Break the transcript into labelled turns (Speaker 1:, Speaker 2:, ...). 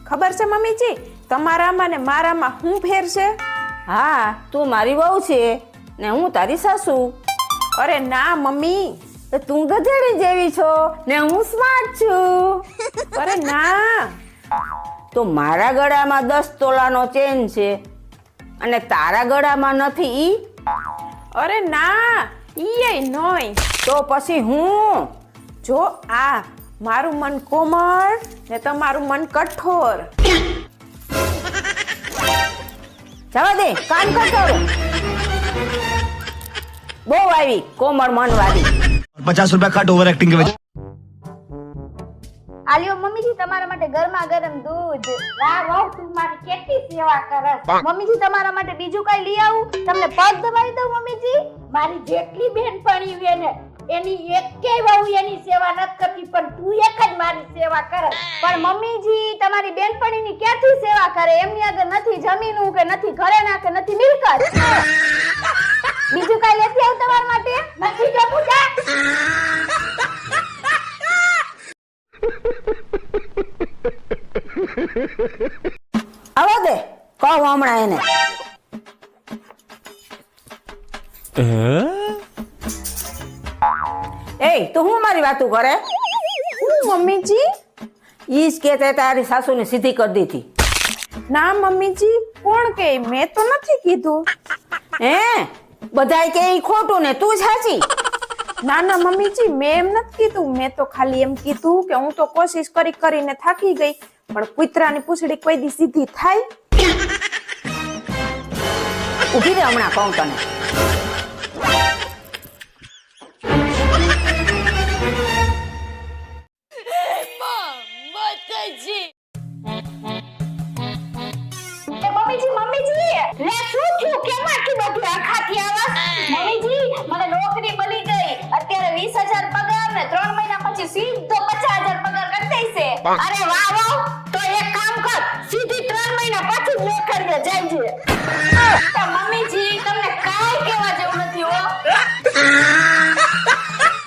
Speaker 1: ખબર છે મમ્મીજી તમારામાં ને મારામાં શું ફેર છે?
Speaker 2: હા, તું મારી વહુ છે ને હું તારી સાસુ.
Speaker 1: અરે ના મમ્મી.
Speaker 2: તો તું ગધેડી જેવી છો ને હું સ્માર્ટ છું.
Speaker 1: અરે ના.
Speaker 2: તો મારા ગળામાં 10 તોલાનો ચેન છે અને તારા ગળામાં નથી ઈ?
Speaker 1: અરે ના ઈ નોય.
Speaker 2: તો પછી હું?
Speaker 1: જો આ મારું મન કોમળ ને તમારું મન કઠોર.
Speaker 2: જવા દે, કાન કઠોર. બહુ આવી કોમળ મનવાળી.
Speaker 3: 50 रुपया कट ओवर एक्टिंग के वजह।
Speaker 4: આલ્યો મમ્મીજી તમારા માટે ગરમા ગરમ દૂધ. વાહ વાહ તું મારી કેટલી સેવા કરસ. મમ્મીજી તમારા માટે બીજું કઈ લઈ આવું? તમને પગ દબાવી દઉં મમ્મીજી? મારી જેટલી બહેનપણી છે ને એની એકેય વહુ એની સેવા નથી કરતી પણ તું એક જ મારી સેવા કરે. પણ મમ્મીજી તમારી બહેનપણીની ક્યાંથી સેવા કરે? એમની આગળ નથી જમીનું કે નથી ઘરેણા કે નથી મિલકત. બીજું કઈ લેતી આવું તમારા માટે? નથી જવું જા.
Speaker 2: આવા દે, કહું હમણાં એને. એ તું હું મારી વાતું કરે?
Speaker 1: હું મમ્મીજી?
Speaker 2: ઈ જ કે તે તારી સાસુને સીધી કરી દીધી.
Speaker 1: ના મમ્મીજી કોણ કે? મેં તો નથી કીધું.
Speaker 2: હે બધાય કે ઈ ખોટું ને તું સાચી?
Speaker 1: ના ના મમ્મીજી મેં એમ નથી કીધું. મેં તો ખાલી એમ કીધું કે હું તો કોશિશ કરીને થાકી ગઈ પણ કૂતરાની પૂંછડી કોઈ દી સીધી થાય?
Speaker 2: ઉભી રે, હમણાં કહું તને.
Speaker 4: મમ્મીજી લે શું થયું? કેમ આટલી બધી આખાથી આવાસ? મમ્મીજી મને નોકરી મળી ગઈ. અત્યારે 20,000 પગાર ને 3 મહિના પછી સીધો 50,000 પગાર કરી દેશે. અરે વાહ વાહ. તો એક કામ કર, સીધી 3 મહિના પછી નોકરીએ જઈ